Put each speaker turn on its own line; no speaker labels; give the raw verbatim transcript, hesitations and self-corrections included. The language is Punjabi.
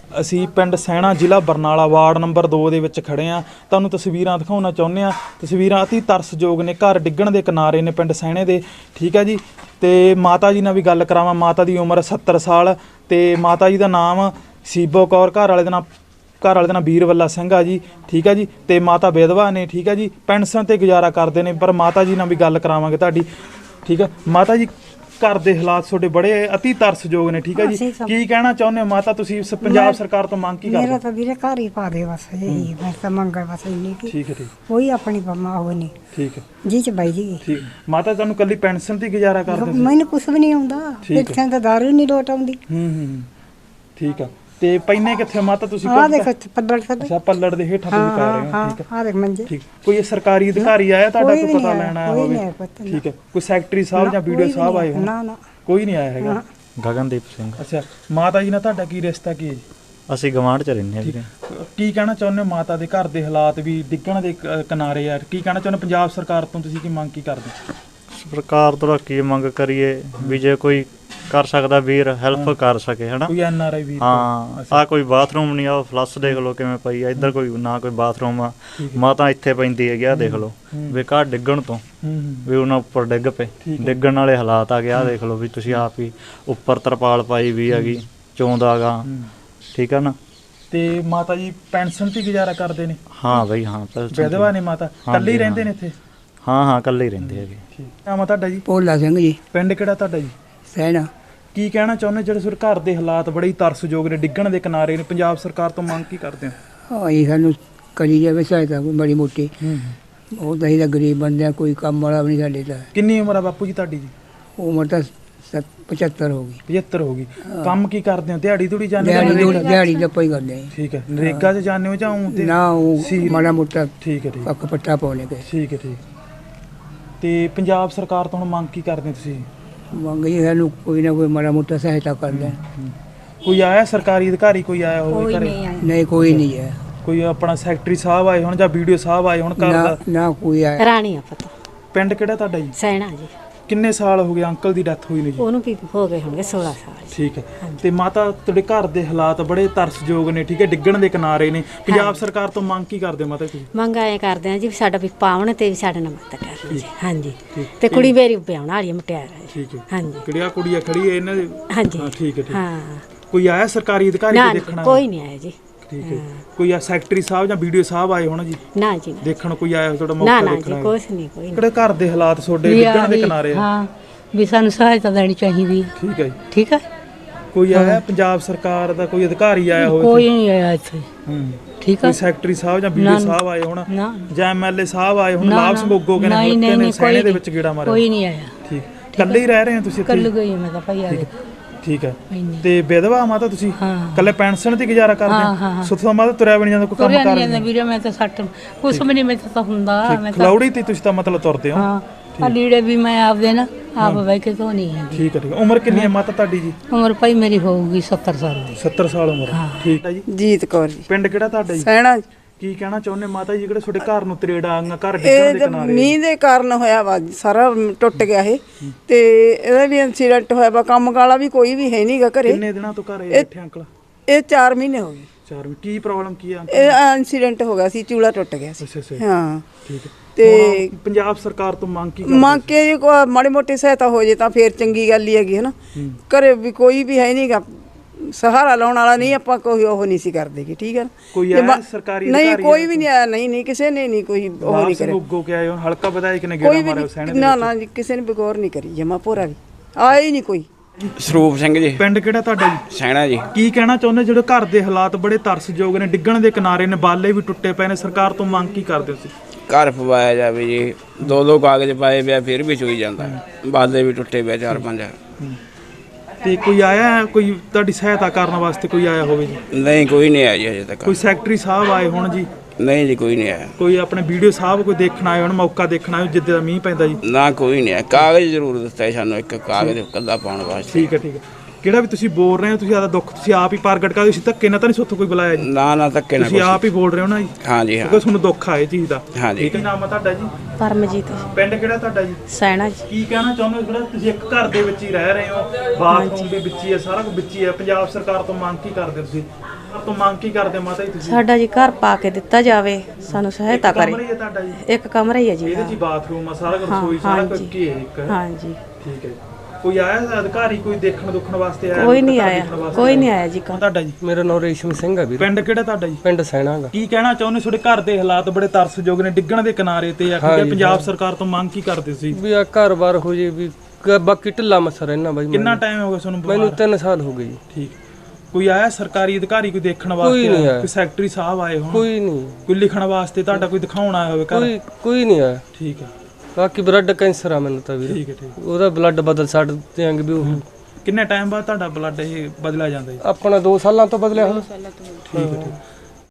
ਅਸੀਂ ਪਿੰਡ ਸੈਣਾ ਜ਼ਿਲ੍ਹਾ ਬਰਨਾਲਾ ਵਾਰਡ ਨੰਬਰ ਦੋ ਦੇ ਵਿੱਚ ਖੜੇ ਆ। ਤੁਹਾਨੂੰ ਤਸਵੀਰਾਂ ਦਿਖਾਉਣਾ ਚਾਹੁੰਦੇ ਆ। ਤਸਵੀਰਾਂ ਅਤੀ ਤਰਸਯੋਗ ਨੇ, ਘਰ ਡਿੱਗਣ ਦੇ ਕਿਨਾਰੇ ਨੇ ਪਿੰਡ ਸੈਣੇ ਦੇ, ਠੀਕ ਹੈ ਜੀ। ਤੇ ਮਾਤਾ ਜੀ ਨਾਲ ਵੀ ਗੱਲ ਕਰਾਵਾਂ। ਮਾਤਾ ਦੀ ਉਮਰ ਸੱਤਰ ਸਾਲ ਤੇ ਮਾਤਾ ਜੀ ਦਾ ਨਾਮ ਸੀਬੋ ਕੌਰ, ਘਰ ਵਾਲੇ ਦਾ ਨਾਮ ਘਰ ਵਾਲੇ ਦਾ ਨਾਮ ਵੀਰਵੱਲਾ ਸਿੰਘ ਆ ਜੀ, ਠੀਕ ਹੈ ਜੀ। ਤੇ ਮਾਤਾ ਵਿਧਵਾ ਨੇ, ਠੀਕ ਹੈ ਜੀ, ਪੈਨਸ਼ਨ ਤੇ ਗੁਜ਼ਾਰਾ ਕਰਦੇ ਨੇ। ਪਰ ਮਾਤਾ ਜੀ ਨਾਲ ਵੀ ਗੱਲ ਕਰਾਵਾਂਗੇ ਤੁਹਾਡੀ, ਠੀਕ ਹੈ। ਮਾਤਾ ਜੀ ਘਰ ਦੇ ਹਾਲਾਤ ਤੁਹਾਡੇ ਬੜੇ ਅਤੀ ਤਰਸਯੋਗ ਨੇ, ਠੀਕ ਹੈ ਜੀ। ਕੀ ਕਹਿਣਾ ਚਾਹੁੰਦੇ ਹੋ ਮਾਤਾ ਤੁਸੀਂ ਪੰਜਾਬ ਸਰਕਾਰ ਤੋਂ ਮੰਗ ਕੀ ਕਰਦੇ?
ਮੇਰਾ ਤਾਂ ਵੀਰੇ ਘਰ ਹੀ ਪਾ ਦੇ ਬਸ, ਇਹੀ ਮੈਂ ਤਾਂ ਮੰਗਣ ਬਸ ਇੰਨੀ ਕਿ
ਠੀਕ ਹੈ ਠੀਕ
ਕੋਈ ਆਪਣੀ ਪੰਮਾ ਹੋ ਨਹੀਂ,
ਠੀਕ ਹੈ
ਜੀ ਚ ਬਾਈ ਜੀ।
ਠੀਕ ਮਾਤਾ ਤੁਹਾਨੂੰ ਕੱਲੀ ਪੈਨਸ਼ਨ ਤੇ ਗੁਜ਼ਾਰਾ ਕਰਦੇ?
ਮੈਨੂੰ ਕੁਛ ਵੀ ਨਹੀਂ ਆਉਂਦਾ, ਇੱਥੇ ਤਾਂ ਦਾਰੂ ਨਹੀਂ ਲੋਟ ਆਉਂਦੀ।
ਹੂੰ ਹੂੰ ਠੀਕ ਆ। ਤੇ ਪੈਨੇ ਕਿੱਥੇ ਮਾਤਾ ਤੁਸੀਂ?
ਆ ਦੇਖੋ ਪੱਲੜ ਥੱਲੇ।
ਅੱਛਾ ਪੱਲੜ ਦੇ ਹੇਠਾਂ ਤੁਸੀਂ ਪੈ ਰਹੇ ਹੋ, ਠੀਕ ਹੈ।
ਆ ਦੇਖ ਮੰਜੇ।
ਠੀਕ। ਕੋਈ ਸਰਕਾਰੀ ਅਧਿਕਾਰੀ ਆਇਆ ਤੁਹਾਡਾ ਕੋਈ ਪਤਾ ਲੈਣ ਆਇਆ
ਕੋਈ
ਹੋਵੇ?
ਨਹੀਂ ਆਇਆ,
ਠੀਕ ਹੈ। ਕੋਈ ਸੈਕਟਰੀ ਸਾਹਿਬ ਜਾਂ ਵੀਡੀਓ ਸਾਹਿਬ ਆਏ ਹੋਣ?
ਨਾ ਨਾ
ਕੋਈ ਨਹੀਂ ਆਇਆ ਹੈਗਾ।
ਗਗਨਦੀਪ ਸਿੰਘ।
ਅੱਛਾ ਮਾਤਾ ਜੀ ਨਾਲ ਤੁਹਾਡਾ ਕੀ ਰਿਸ਼ਤਾ ਕੀ ਹੈ ਜੀ?
ਅਸੀਂ ਗਵਾਂਢ ਚ ਰਹਿੰਦੇ ਹਾਂ ਵੀਰੇ।
ਕੀ ਕਹਿਣਾ ਚਾਹੁੰਦੇ ਹੋ ਮਾਤਾ ਦੇ ਘਰ ਦੇ ਹਾਲਾਤ ਵੀ ਡਿੱਗਣ ਦੇ ਕ- ਕਿਨਾਰੇ ਯਾਰ? ਕੀ ਕਹਿਣਾ ਚਾਹੁੰਦੇ ਪੰਜਾਬ ਸਰਕਾਰ ਤੋਂ ਤੁਸੀਂ ਕੀ ਮੰਗ ਕੀ ਕਰਦੇ?
ਸਰਕਾਰ ਤੋਂ ਕੀ ਮੰਗ ਕਰੀਏ ਵੀ ਜੇ ਕੋਈ ਕਰ ਸਕਦਾ ਵੀਰ ਹੈਲਪ ਕਰ ਸਕੇ ਹਨਾ।
ਕੋਈ ਐਨ ਆਰ ਆਈ ਵੀ?
ਹਾਂ ਆ ਕੋਈ ਬਾਥਰੂਮ ਨਹੀਂ, ਆ ਫਲੱਸ ਦੇਖ ਲਓ ਕਿਵੇਂ ਪਈ ਆ। ਇੱਧਰ ਕੋਈ ਨਾ ਕੋਈ ਬਾਥਰੂਮ ਆ, ਮਾਤਾ ਇੱਥੇ ਪੈਂਦੀ ਹੈਗੀ ਆ, ਦੇਖ ਲਓ ਵੀ ਘਰ ਡਿੱਗਣ ਤੋਂ ਵੀ ਉਹਨਾਂ ਉੱਪਰ ਡਿੱਗ ਪਏ, ਡਿੱਗਣ ਵਾਲੇ ਹਾਲਾਤ ਆ ਗਏ। ਆ ਦੇਖ ਲਓ ਵੀ ਤੁਸੀਂ ਆਪ ਹੀ ਉੱਪਰ ਤਰਪਾਲ ਪਾਈ ਵੀ ਹੈਗੀ, ਚੋਂਦਾ ਗਾ, ਠੀਕ ਆ ਨਾ।
ਤੇ ਮਾਤਾ ਜੀ ਪੈਨਸ਼ਨ ਤੇ ਗੁਜ਼ਾਰਾ ਕਰਦੇ ਨੇ?
ਹਾਂ ਬਈ ਹਾਂ।
ਵਿਧਵਾ ਨੇ ਮਾਤਾ, ਇਕੱਲੇ ਹੀ ਰਹਿੰਦੇ ਨੇ ਇੱਥੇ?
ਹਾਂ ਹਾਂ ਇਕੱਲੇ ਹੀ ਰਹਿੰਦੇ ਹੈਗੇ।
ਠੀਕ। ਨਾਮ ਆ ਤੁਹਾਡਾ ਜੀ?
ਭੋਲਾ ਸਿੰਘ ਜੀ।
ਪਿੰਡ ਕਿਹੜਾ ਤੁਹਾਡਾ ਜੀ?
ਸੈਣਾ।
ਕੀ ਕਹਿਣਾ ਚਾਹੁੰਦੇ ਜਿਹੜੇ ਸੁਰ ਘਰ ਦੇ ਹਾਲਾਤ ਬੜੇ ਹੀ ਤਰਸਯੋਗ ਨੇ, ਡਿੱਗਣ ਦੇ ਕਿਨਾਰੇ ਨੇ? ਪੰਜਾਬ ਸਰਕਾਰ ਤੋਂ ਮੰਗ ਕੀ ਕਰਦੇ ਹੋ?
ਹਾਂ ਇਹ ਸਾਨੂੰ ਕਰੀ ਜਾਵੇ ਸਹਾਇਤਾ ਕੋਈ ਬੜੀ ਮੋਟੀ। ਉਹ ਤਾਂ ਇਹਦਾ ਗਰੀਬ ਬੰਦਿਆਂ, ਕੋਈ ਕੰਮ ਵਾਲਾ ਵੀ ਨਹੀਂ ਸਾਡੇ ਤਾਂ।
ਕਿੰਨੀ ਉਮਰ ਆ ਬਾਪੂ ਜੀ ਤੁਹਾਡੀ ਜੀ?
ਉਮਰ ਤਾਂ ਪਚੱਤਰ ਹੋ ਗਈ।
ਪਝੱਤਰ ਹੋ ਗਈ। ਕੰਮ ਕੀ ਕਰਦੇ ਹੋ? ਦਿਹਾੜੀ ਦੂੜੀ ਜਾਂਦੇ
ਦਿਹਾੜੀ
ਹੋ?
ਦਿਹਾੜੀ ਦਾ ਪਈ ਕਰਦੇ।
ਠੀਕ ਹੈ। ਨਰੇਗਾ 'ਚ ਜਾਂਦੇ ਹੋ ਜਾਂ ਊਂ ਤੇ?
ਨਾ ਉਹ ਮਾੜਾ ਮੋਟਾ
ਠੀਕ ਹੈ ਠੀਕ
ਪੱਕ ਪੱਟਾ ਪਾਉਣੇ ਗਏ।
ਠੀਕ ਹੈ ਠੀਕ। ਤੇ ਪੰਜਾਬ ਸਰਕਾਰ ਤੋਂ ਹੁਣ ਮੰਗ ਕੀ ਕਰਦੇ ਹੋ ਤੁਸੀਂ?
ਮੰਗ ਜੀ ਸਾਨੂੰ ਕੋਈ ਨਾ ਕੋਈ ਮਾੜਾ ਮੋਟਾ ਸਹਾਇਤਾ ਕਰ ਦੇਣ।
ਕੋਈ ਆਇਆ ਸਰਕਾਰੀ ਅਧਿਕਾਰੀ ਕੋਈ ਆਇਆ ਹੋਵੇ ਘਰੇ?
ਨਹੀਂ ਕੋਈ ਨਹੀਂ ਹੈ।
ਕੋਈ ਆਪਣਾ ਸੈਕਟਰੀ ਸਾਹਿਬ ਆਏ ਹੁਣ ਜਾਂ ਵੀਡੀਓ ਸਾਹਿਬ ਆਏ ਹੁਣ ਘਰ
ਨਾ
ਦਾ?
ਨਾ ਕੋਈ ਆਇਆ।
ਰਾਣੀ ਆ ਪਤਾ।
ਪਿੰਡ ਕਿਹੜਾ ਤੁਹਾਡਾ ਜੀ?
ਸੈਣਾ ਜੀ।
ਕਿੰਨੇ ਸਾਲ ਹੋ ਗਏ ਅੰਕਲ ਦੀ ਡੈਥ ਹੋਈ ਨੂੰ ਜੀ?
ਉਹਨੂੰ ਵੀ ਹੋ ਗਏ ਹੋਣਗੇ ਸੋਲਾਂ ਸਾਲ।
ਠੀਕ ਹੈ। ਤੇ ਮਾਤਾ ਤੁਹਾਡੇ ਘਰ ਦੇ ਹਾਲਾਤ ਬੜੇ ਤਰਸਯੋਗ ਨੇ, ਠੀਕ ਹੈ, ਡਿੱਗਣ ਦੇ ਕਿਨਾਰੇ ਨੇ। ਪੰਜਾਬ ਸਰਕਾਰ ਤੋਂ ਮੰਗ ਕੀ ਕਰਦੇ ਹੋ ਮਾਤਾ ਤੁਸੀਂ?
ਮੰਗ ਆਏ ਕਰਦੇ ਆ ਜੀ ਵੀ ਸਾਡਾ ਵੀ ਪਾਉਣ ਤੇ ਵੀ ਸਾਡੇ ਨਾਲ ਮਦਦ ਕਰਨ ਜੀ। ਹਾਂਜੀ। ਤੇ ਕੁੜੀ ਮੇਰੀ ਵਿਆਹਣ ਵਾਲੀ ਮੁਟਿਆਰ ਹੈ।
ਠੀਕ ਹੈ।
ਹਾਂਜੀ।
ਕਿਹੜੀਆਂ ਕੁੜੀਆਂ ਖੜੀ ਹੈ ਇਹਨਾਂ ਦੇ?
ਹਾਂਜੀ।
ਹਾਂ ਠੀਕ ਹੈ ਠੀਕ।
ਹਾਂ।
ਕੋਈ ਆਇਆ ਸਰਕਾਰੀ ਅਧਿਕਾਰੀ
ਨਾ
ਕੋਈ ਦੇਖਣਾ?
ਕੋਈ ਨਹੀਂ ਆਇਆ ਜੀ।
ਠੀਕ ਹੈ। ਕੋਈ ਆ ਸੈਕਟਰੀ ਸਾਹਿਬ ਜਾਂ ਵੀਡੀਓ ਸਾਹਿਬ ਆਏ ਹੋਣ ਜੀ
ਨਾ ਜੀ?
ਦੇਖਣ? ਕੋਈ ਆਇਆ ਤੁਹਾਡਾ
ਨਾ
ਮੌਕਾ
ਨਾ
ਦੇਖਣਾ?
ਜੀ ਕੁਛ ਨਹੀਂ ਕੋਈ।
ਕਿਹੜੇ ਘਰ ਦੇ ਹਾਲਾਤ ਤੁਹਾਡੇ ਡਿੱਗਣ ਦੇ ਕਿਨਾਰੇ ਆ?
ਹਾਂ ਵੀ ਸਾਨੂੰ ਸਹਾਇਤਾ ਦੇਣੀ ਚਾਹੀਦੀ ਹੈ।
ਠੀਕ ਹੈ ਜੀ।
ਠੀਕ ਹੈ।
ਕੋਈ ਆਇਆ ਪੰਜਾਬ ਸਰਕਾਰ ਦਾ ਕੋਈ ਅਧਿਕਾਰੀ ਆਇਆ ਹੋਵੇ?
ਕੋਈ ਨਹੀਂ ਆਇਆ ਇੱਥੇ।
ਹੂੰ
ਠੀਕ ਹੈ।
ਕੋਈ ਸੈਕਟਰੀ ਸਾਹਿਬ ਜਾਂ ਵੀਡੀਓ ਸਾਹਿਬ ਆਏ ਹੋਣ
ਨਾ
ਜਾਂ ਐਮ ਐਲ ਏ ਸਾਹਿਬ ਆਏ ਹੁਣ?
ਨਾ,
ਲਾਭ
ਨਾ।
ਸੰਗੋਗੋ ਕਹਿੰਦੇ
ਨਹੀਂ,
ਮੁਲਕ ਨੇ
ਨਹੀਂ,
ਸੈਣੇ ਦੇ
ਕੋਈ
ਵਿੱਚ ਗੇੜਾ ਮਾਰਿਆ?
ਕੋਈ ਨਹੀਂ ਆਇਆ।
ਠੀਕ। ਇਕੱਲੇ ਹੀ ਰਹਿ ਰਹੇ ਹੋ ਤੁਸੀਂ ਇੱਥੇ?
ਕੱਲ ਗਈ ਮੈਂ ਤਾਂ ਭਾਈ ਆ ਗਏ।
ਠੀਕ ਹੈ।
ਇੰਨੀ।
ਤੇ ਵਿਧਵਾ ਮਾਤਾ ਤੁਸੀਂ?
ਹਾਂ।
ਇਕੱਲੇ ਪੈਨਸ਼ਨ ਤੇ ਗੁਜ਼ਾਰਾ ਕਰਦੇ
ਹਾਂ,
ਹੋ?
ਹਾਂ, ਹਾਂ।
ਸੁੱਤਾ ਮਾਤਾ ਤੁਰਿਆ ਵੀ ਨਹੀਂ ਜਾਂਦਾ, ਕੋਈ ਕੰਮ
ਤੁਰਿਆ
ਕਰ
ਨਹੀਂ ਜਾਂਦਾ ਵੀਰੇ, ਮੈਂ ਤਾਂ ਸੱਟ ਕੁਛ ਵੀ ਨਹੀਂ ਮੇਰੇ ਤਾਂ ਹੁੰਦਾ। ਮੈਂ ਤਾਂ
ਖਲੌੜੀ ਤੇ ਤੁਸੀਂ ਤਾਂ ਮਤਲਬ ਤੁਰਦੇ ਹੋ?
ਹਾਂ ਆ ਲੀੜੇ ਵੀ ਮੈਂ ਆਪਦੇ ਨਾ ਆਪ ਬਹਿ ਕੇ ਧੋਣੀ ਹੈ।
ਠੀਕ ਹੈ ਠੀਕ ਹੈ। ਉਮਰ ਕਿੰਨੀ ਹੈ ਮਾਤਾ ਤੁਹਾਡੀ ਜੀ?
ਉਮਰ ਭਾਈ ਮੇਰੀ ਹੋਊਗੀ ਸੱਤਰ ਸਾਲ ਦੀ।
ਸੱਤਰ ਸਾਲ ਉਮਰ। ਠੀਕ ਹੈ ਜੀ।
ਜੀਤ ਕੌਰ ਜੀ।
ਪਿੰਡ ਕਿਹੜਾ ਤੁਹਾਡਾ ਜੀ?
ਸੈਣਾ।
ਕੀ ਕਹਿਣਾ ਚਾਹੁੰਦੇ ਮਾਤਾ ਜੀ ਜਿਹੜੇ ਤੁਹਾਡੇ ਘਰ ਨੂੰ ਤਰੇੜਾ ਆਂਗਾ, ਘਰ ਡਿੱਗਣ ਦੇ ਕਿਨਾਰੇ?
ਮੀਂਹ ਦੇ ਕਾਰਨ ਹੋਇਆ ਵਾ ਸਾਰਾ ਟੁੱਟ ਗਿਆ ਇਹ, ਤੇ ਇਹਦਾ ਵੀ ਇਨਸੀਡੈਂਟ ਹੋਇਆ ਵਾ। ਕੰਮ ਕਾਲਾ ਵੀ ਕੋਈ ਵੀ ਹੈ ਨਹੀਂਗਾ ਘਰੇ।
ਕਿੰਨੇ ਦਿਨਾਂ ਤੋਂ ਘਰ ਬੈਠੇ ਅੰਕਲ?
ਇਹ ਚਾਰ ਮਹੀਨੇ ਹੋ ਗਏ।
ਚਾਰ ਵੀ ਕੀ ਪ੍ਰੋਬਲਮ ਕੀ ਆ?
ਇਹ ਇਨਸੀਡੈਂਟ ਹੋ ਗਿਆ ਸੀ, ਚੂਲਾ ਟੁੱਟ ਗਿਆ ਸੀ।
ਅੱਛਾ ਅੱਛਾ
ਹਾਂ
ਠੀਕ ਹੈ।
ਤੇ
ਪੰਜਾਬ ਸਰਕਾਰ ਤੋਂ ਮੰਗ ਕੀ
ਮੰਗ ਕੇ ਜੀ ਕੋਈ ਮਾੜੀ ਮੋਟੀ ਸਹਾਇਤਾ ਹੋ ਜੇ ਤਾਂ ਫੇਰ ਚੰਗੀ ਗੱਲ ਹੀ ਹੈਗੀ ਹੈ ਨਾ। ਘਰੇ ਵੀ ਕੋਈ ਵੀ ਹੈ ਨਹੀਂਗਾ, ਸਹਾਰਾ ਲਾਉਣ ਵਾਲਾ ਨਹੀਂ, ਆਪਾਂ ਕੋਈ ਉਹ ਨਹੀਂ ਸੀ ਕਰਦੇ ਗੀ। ਠੀਕ ਹੈ ਨਾ।
ਕੋਈ ਆਇਆ ਸਰਕਾਰੀ
ਨਹੀਂ ਕੋਈ ਵੀ ਨਹੀਂ ਆਇਆ। ਨਹੀਂ ਨਹੀਂ ਕਿਸੇ ਨੇ ਨਹੀਂ ਕੋਈ ਉਹ ਨਹੀਂ ਕਰਿਆ।
ਸੰਗੋਗੋ ਕੇ ਆਏ ਹੁਣ ਹਲਕਾ ਵਿਧਾਇਕ ਨੇ
ਕੋਈ
ਗੇੜਾ
ਵੀ
ਮਾਰਿਆ ਸੈਣੇ ਦੇ?
ਨਾ ਨਾ ਜੀ ਕਿਸੇ ਨੇ ਬਗੌਰ ਨਹੀਂ ਕਰੀ, ਜਮਾ ਭੋਰਾ ਵੀ ਆਇਆ ਹੀ ਨਹੀਂ ਕੋਈ।
ਸਰੂਪ ਸਿੰਘ ਜੀ।
ਪਿੰਡ ਕਿਹੜਾ ਤੁਹਾਡਾ ਜੀ?
ਸੈਣਾ ਜੀ।
ਕੀ ਕਹਿਣਾ ਚਾਹੁੰਦੇ ਜਿਹੜੇ ਘਰ ਦੇ ਹਾਲਾਤ ਬੜੇ ਤਰਸਯੋਗ ਨੇ, ਡਿੱਗਣ ਦੇ ਕਿਨਾਰੇ ਨੇ, ਬਾਲੇ ਵੀ ਟੁੱਟੇ ਪਏ ਨੇ? ਸਰਕਾਰ ਤੋਂ ਮੰਗ ਕੀ ਕਰਦੇ ਹੋ ਤੁਸੀਂ?
ਘਰ ਪਵਾਇਆ ਜਾਵੇ ਜੀ। ਦੋ ਦੋ ਕਾਗਜ਼ ਪਾਏ ਪਿਆ ਫਿਰ ਵੀ ਚੋਈ ਜਾਂਦਾ। ਬਾਲੇ ਵੀ ਟੁੱਟੇ ਪਿਆ ਚਾਰ ਪੰਜ।
ਤੇ ਕੋਈ ਆਇਆ ਕੋਈ ਤੁਹਾਡੀ ਸਹਾਇਤਾ ਕਰਨ ਵਾਸਤੇ ਕੋਈ ਆਇਆ ਹੋਵੇ ਜੀ?
ਨਹੀਂ ਕੋਈ ਨਹੀਂ ਆਇਆ ਜੀ ਅਜੇ ਤੱਕ।
ਕੋਈ ਸੈਕਟਰੀ ਸਾਹਿਬ ਆਏ ਹੋਣ ਜੀ?
ਨਹੀਂ ਜੀ ਕੋਈ ਨਹੀਂ ਆਇਆ।
ਕੋਈ ਆਪਣੇ ਵੀਡੀਓ ਸਾਹਿਬ ਕੋਈ ਦੇਖਣ ਆਏ ਹੋਣ, ਮੌਕਾ ਦੇਖਣ ਆਏ ਜਿੱਦੇ ਦਾ ਮੀਂਹ ਪੈਂਦਾ ਜੀ?
ਨਾ ਕੋਈ ਨਹੀਂ ਆਇਆ। ਕਾਗਜ਼ ਜ਼ਰੂਰ ਦਿੱਤਾ ਹੈ ਸਾਨੂੰ, ਇੱਕ ਕਾਗਜ਼ ਕੱਲਾ ਪਾਉਣ ਵਾਸਤੇ।
ਠੀਕ ਹੈ ਠੀਕ ਹੈ। ਕਿਹੜਾ ਵੀ ਤੁਸੀਂ ਬੋਲ ਰਹੇ ਹੋ, ਤੁਸੀਂ ਆਦਾ ਦੁੱਖ ਤੁਸੀਂ ਆਪ ਹੀ ਪ੍ਰਗਟ ਕਰਦੇ, ਤੁਸੀਂ ਧੱਕੇ ਨਾਲ ਤਾਂ ਨਹੀਂ ਸੋਥੋਂ ਕੋਈ ਬੁਲਾਇਆ ਜੀ?
ਨਾ ਨਾ ਧੱਕੇ ਨਾਲ।
ਤੁਸੀਂ ਆਪ ਹੀ ਬੋਲ ਰਹੇ ਹੋ ਨਾ ਜੀ?
ਹਾਂ ਜੀ ਹਾਂ।
ਕਿਉਂਕਿ ਤੁਹਾਨੂੰ ਦੁੱਖ ਆ ਇਹ ਚੀਜ਼ ਦਾ।
ਹਾਂ ਜੀ।
ਠੀਕ ਹੈ। ਨਾਮ ਆ ਤੁਹਾਡਾ ਜੀ?
ਪਰਮਜੀਤ।
ਪਿੰਡ ਕਿਹੜਾ ਤੁਹਾਡਾ ਜੀ?
ਸੈਣਾ ਜੀ।
ਕੀ ਕਹਿਣਾ ਚਾਹੁੰਦੇ ਹੋ ਜਿਹੜਾ ਤੁਸੀਂ ਇੱਕ ਘਰ ਦੇ ਵਿੱਚ ਹੀ ਰਹਿ ਰਹੇ ਹੋ, ਬਾਥਰੂਮ ਵੀ ਵਿੱਚ ਹੀ ਹੈ, ਸਾਰਾ ਕੁਝ ਵਿੱਚ ਹੀ ਹੈ, ਪੰਜਾਬ ਸਰਕਾਰ ਤੋਂ ਮੰਗ ਕੀ ਕਰਦੇ ਹੋ ਤੁਸੀਂ? ਤੋਂ ਮੰਗ ਕੀ ਕਰਦੇ ਮਾਤਾ ਜੀ ਤੁਸੀਂ?
ਸਾਡਾ ਜੀ ਘਰ ਪਾ ਕੇ ਦਿੱਤਾ ਜਾਵੇ, ਸਾਨੂੰ ਸਹਾਇਤਾ ਕਰੇ।
ਕਮਰਾ ਹੀ ਹੈ ਤੁਹਾਡਾ ਜੀ?
ਇੱਕ ਕਮਰਾ ਹੀ ਹੈ ਜੀ।
ਇਹਦੇ 'ਚ ਹੀ ਬਾਥਰੂਮ ਆ, ਸਾਰਾ ਕੁਝ,
ਹਾਂ,
ਰਸੋਈ ਸਾਰਾ ਕੁਝ
ਹਾਂਜੀ।
ਕੀ ਹੈ ਇੱਕ?
ਹਾਂਜੀ।
ਠੀਕ ਹੈ। ਕੋਈ ਆਇਆ ਅਧਿਕਾਰੀ, ਕੋਈ ਦੇਖਣ ਦੁੱਖਣ ਵਾਸਤੇ ਆਇਆ?
ਕੋਈ ਨਹੀਂ ਆਇਆ, ਕੋਈ ਨਹੀਂ ਆਇਆ ਜੀ।
ਤੁਹਾਡਾ ਜੀ?
ਮੇਰਾ ਨਾਮ ਰੇਸ਼ਮ ਸਿੰਘ ਹੈ ਵੀਰ।
ਪਿੰਡ ਕਿਹੜਾ ਤੁਹਾਡਾ ਜੀ?
ਪਿੰਡ ਸੈਣਾਗਾ।
ਕੀ ਕਹਿਣਾ ਚਾਹੁੰਦੇ? ਤੁਹਾਡੇ ਘਰ ਦੇ ਹਾਲਾਤ ਬੜੇ ਤਰਸਯੋਗ ਨੇ, ਡਿੱਗਣ ਦੇ ਕਿਨਾਰੇ ਤੇ ਆ। ਕਿਉਂਕਿ ਪੰਜਾਬ ਸਰਕਾਰ ਤੋਂ ਮੰਗ ਕੀ ਕਰਦੇ ਸੀ?
ਵੀ ਆ ਘਰ-ਬਾਰ ਹੋ ਜੇ ਵੀ, ਕ- ਬਾਕੀ ਢਿੱਲਾ ਮੱਸਾ ਰਹਿਣਾ ਬਾਈ।
ਕਿੰਨਾ ਟਾਈਮ ਹੋ ਗਿਆ ਤੁਹਾਨੂੰ?
ਮੈਨੂੰ ਤਿੰਨ ਸਾਲ ਹੋ ਗਏ ਜੀ।
ਠੀਕ। ਕੋਈ ਆਇਆ ਸਰਕਾਰੀ ਅਧਿਕਾਰੀ ਕੋਈ ਦੇਖਣ ਵਾਸਤੇ?
ਕੋਈ ਨਹੀਂ ਆਇਆ।
ਕੋਈ ਸੈਕਟਰੀ ਸਾਹਿਬ ਆਏ ਹੋਣ?
ਕੋਈ ਨਹੀਂ।
ਕੋਈ ਲਿਖਣ ਵਾਸਤੇ ਤੁਹਾਡਾ ਕੋਈ ਦਿਖਾਉਣ ਆਇਆ ਹੋਵੇ ਘਰ?
ਕੋਈ ਕੋਈ ਨਹੀਂ ਆਇਆ।
ਠੀਕ ਹੈ।
ਬਾਕੀ ਬਲੱਡ ਕੈਂਸਰ ਆ ਮੈਨੂੰ ਤਾਂ ਵੀਰ।
ਠੀਕ ਹੈ, ਠੀਕ।
ਉਹਦਾ ਬਲੱਡ ਬਦਲ ਛੱਡ ਦਿਆਂਗੇ ਵੀ ਉਹ।
ਕਿੰਨੇ ਟਾਈਮ ਬਾਅਦ ਤੁਹਾਡਾ ਬਲੱਡ ਇਹ ਬਦਲਿਆ ਜਾਂਦਾ ਜੀ?
ਆਪਣਾ ਦੋ ਸਾਲਾਂ ਤੋਂ ਬਦਲਿਆ ਹੁਣ।
ਠੀਕ ਹੈ, ਠੀਕ।